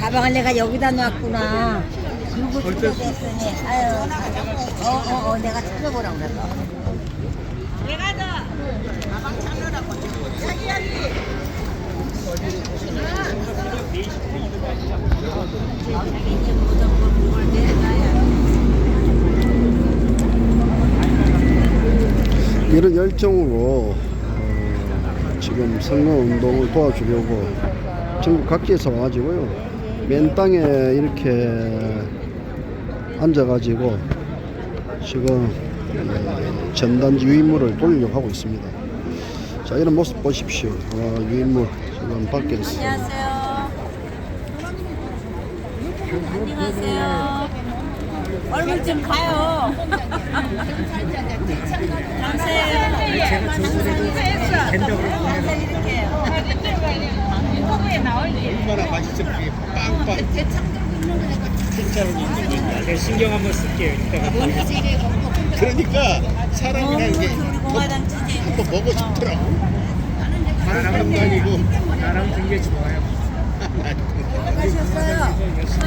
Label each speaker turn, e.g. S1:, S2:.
S1: 가방을 내가 여기다 놨구나. 누구 찾아냈으니. 아유, 내가 찾아보라고 그랬어. 내가 너 가방 찾으라고. 여기.
S2: 이런 열정으로 지금 선거운동을 도와주려고 전국 각지에서 와가지고요, 맨 땅에 이렇게 앉아가지고 지금 전단지 유인물을 돌리려고 하고 있습니다. 자, 이런 모습 보십시오. 유인물 지금 밖에서.
S1: 안녕하세요. 안녕하세요. 얼굴 좀 가요. 감사해요.
S3: 제가 조선에도 된다고
S1: 감사드릴게요. 유튜브에 나올지.
S4: 얼마나 맛있을지 빵빵.
S3: 제가 신경 한번 쓸게요. 이따가
S4: 그러니까 사람이라는 게
S1: 우리 공화당 지지.
S4: 한번 먹고 싶더라고. 다른 사람도 아니고.
S3: 나랑 되게 좋아요.
S1: 가셨어요.